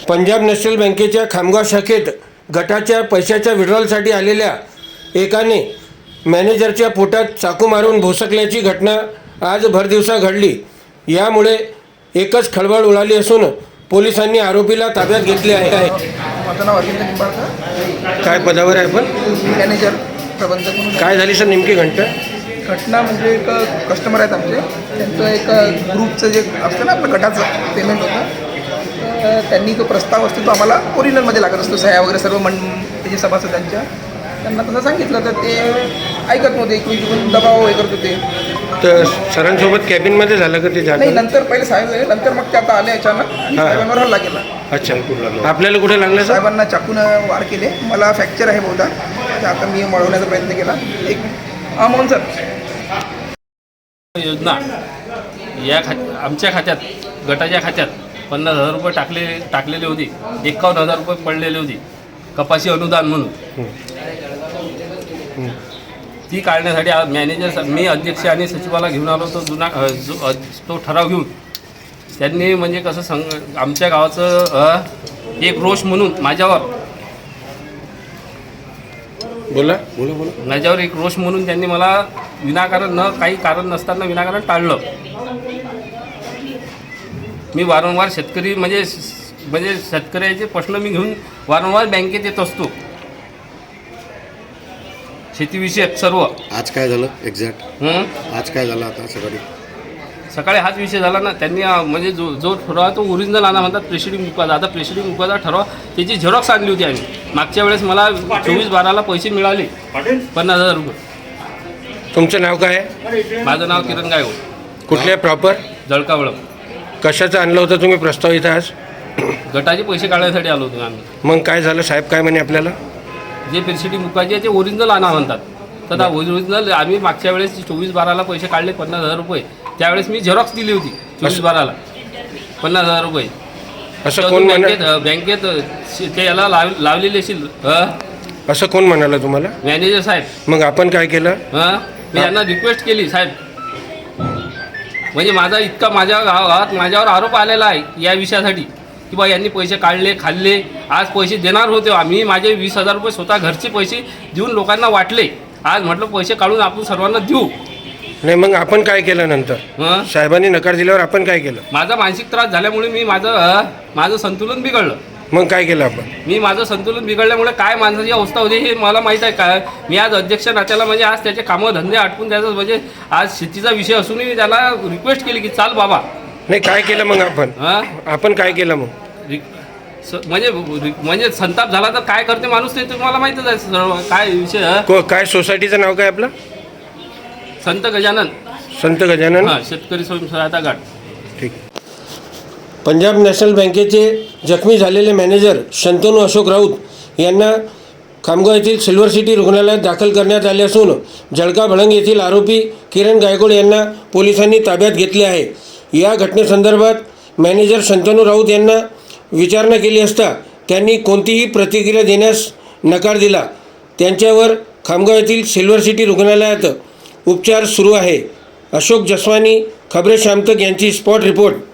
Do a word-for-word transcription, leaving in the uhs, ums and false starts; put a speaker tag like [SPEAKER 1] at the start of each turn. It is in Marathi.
[SPEAKER 1] पंजाब नॅशनल बँकेच्या खामगाव शाखेत गटाच्या पैशाच्या विड्रॉलसाठी आलेल्या एकाने मॅनेजरच्या पोटात चाकू मारून भोसकल्याची घटना आज भरदिवसा घडली। यामुळे एकच खळबळ उडाली असून पोलिसांनी आरोपीला ताब्यात घेतले आहे।
[SPEAKER 2] माझं नाव अरविंद निंबाळकर,
[SPEAKER 1] काय पदावर आहे आपण?
[SPEAKER 2] मॅनेजर प्रबंधक म्हणून।
[SPEAKER 1] काय झाली सर नेमकी घटना?
[SPEAKER 2] घटना म्हणजे एक कस्टमर आहेत आमचे, त्यांचं एक ग्रुपचं जे असतं ना आपलं गटाचं पेमेंट होतं, तर त्यांनी तो प्रस्ताव असतो तो आम्हाला ओरिजिनलमध्ये लागत असतो, सह्या वगैरे सर्व मन त्याचे सभासदांच्या। त्यांना तसं सांगितलं तर ते ऐकत नव्हते, इकडून तिकडून दबाव हे करत होते।
[SPEAKER 1] तर सरांसोबत कॅबिनमध्ये झालं का ते?
[SPEAKER 2] नाही, नंतर पहिले साहेब, नंतर मग ते आता आले अचानक आणि साहेबांवर हल्ला केला।
[SPEAKER 1] अच्छा, आपल्याला कुठे लागलं?
[SPEAKER 2] साहेबांना चाकून वार केले, मला फ्रॅक्चर आहे बहुधा, तर आता मी मळवण्याचा प्रयत्न केला। एक हा मोहन सर,
[SPEAKER 3] योजना या खा आमच्या खात्यात, गटाच्या खात्यात पन्नास हजार रुपये टाकले टाकलेले होते, एकावन्न हजार रुपये पडलेले होते कपाशी अनुदान म्हणून। ती काढण्यासाठी मॅनेजर, मी अध्यक्ष आणि सचिवाला घेऊन आलो होतो, जुना जो तो ठराव घेऊन। त्यांनी म्हणजे कसं सांग, आमच्या गावाचं एक रोष म्हणून माझ्यावर
[SPEAKER 1] बोला बोला बोला
[SPEAKER 3] माझ्यावर एक रोष म्हणून त्यांनी मला विनाकारण, न काही कारण नसताना विनाकारण टाळलं। मी वारंवार शेतकरी म्हणजे म्हणजे शेतकऱ्याचे प्रश्न मी घेऊन वारंवार बँकेत येत असतो, शेतीविषयक सर्व।
[SPEAKER 4] आज काय झालं एक्झॅक्ट? आज काय झालं आता सकाळी?
[SPEAKER 3] सकाळी हाच विषय झाला ना। त्यांनी म्हणजे जो जो ठराव तो ओरिजिनल आणा म्हणतात, प्रेसिडिंग मुकादा। आता प्रेसिडिंग मुकादा ठराव त्याची झेरॉक्स आणली होती आम्ही मागच्या वेळेस। मला चोवीस बाराला पैसे मिळाले पन्नास हजार रुपये।
[SPEAKER 1] तुमचं नाव काय आहे?
[SPEAKER 3] माझं नाव किरण गायकवाड।
[SPEAKER 1] कुठल्या प्रॉपर?
[SPEAKER 3] जळकावळ।
[SPEAKER 1] कशाचं आणलं होतं तुम्ही प्रस्ताव इथं आज?
[SPEAKER 3] गटाचे पैसे काढण्यासाठी आलो होतो आम्ही।
[SPEAKER 1] मग काय झालं? साहेब काय म्हणे आपल्याला?
[SPEAKER 3] जे प्रेसिडिंग मुकाजी आहे ते ओरिजिनल आणा म्हणतात। तर ओरिजिनल आम्ही मागच्या वेळेस चोवीस बाराला पैसे काढले पन्नास हजार रुपये, त्यावेळेस मी झेरॉक्स दिली होती चोवीस बाराला पन्नास हजार रुपये।
[SPEAKER 1] असं कोण
[SPEAKER 3] बँकेत बँकेत ते याला लाव लावलेले असेल।
[SPEAKER 1] असं कोण म्हणाला तुम्हाला?
[SPEAKER 3] मॅनेजर साहेब।
[SPEAKER 1] मग आपण काय केलं?
[SPEAKER 3] हां, मी यांना रिक्वेस्ट केली, साहेब म्हणजे माझा इतका माझ्या गावात माझ्यावर आरोप आलेला आहे या विषयासाठी की बा यांनी पैसे काढले, खाल्ले। आज पैसे देणार होते आम्ही, माझे वीस हजार रुपये स्वतः घरचे पैसे देऊन लोकांना वाटले। आज म्हटलं पैसे काढून आपण सर्वांना देऊ।
[SPEAKER 1] नाही, मग आपण काय केलं नंतर?
[SPEAKER 3] हां,
[SPEAKER 1] साहेबांनी नकार दिल्यावर आपण काय केलं?
[SPEAKER 3] माझा मानसिक त्रास झाल्यामुळे मी माझं माझं संतुलन बिघडलं।
[SPEAKER 1] मग काय केलं आपण?
[SPEAKER 3] मी माझं संतुलन बिघडल्यामुळे काय माणसाची अवस्था होती हे मला माहीत आहे। काय मी आज अध्यक्ष नात्याला म्हणजे आज त्याचे कामं धंदे आटपून द्यायचं, म्हणजे आज शेतीचा विषय असूनही मी त्याला रिक्वेस्ट केली की चाल बाबा।
[SPEAKER 1] नाही, काय केलं मग आपण?
[SPEAKER 3] हां,
[SPEAKER 1] आपण काय केलं मग?
[SPEAKER 3] म्हणजे म्हणजे संताप झाला तर काय करते माणूस ते तुम्हाला माहीतच आहे सर्व काय विषय।
[SPEAKER 1] को काय सोसायटीचं नाव काय आपलं?
[SPEAKER 3] संत गजानन
[SPEAKER 1] संत गजानन
[SPEAKER 3] हां, शेतकरी स्वयंसहायता गट।
[SPEAKER 1] ठीक। पंजाब नॅशनल बँकेचे जखमी झालेले मॅनेजर शंतनू अशोक राऊत यांना खामगाव येथील सिल्वर सिटी रुग्णालयात दाखल करण्यात आले असून जळका भळंग येथील आरोपी किरण गायकवाड यांना पोलिसांनी ताब्यात घेतले आहे। या घटनेसंदर्भात मॅनेजर शंतनू राऊत यांना विचारणा केली असता त्यांनी कोणतीही प्रतिक्रिया देण्यास नकार दिला। त्यांच्यावर खामगाव येथील सिल्वर सिटी रुग्णालयात उपचार सुरू आहे। अशोक जसवानी, खबरे शामतक यांची स्पॉट रिपोर्ट।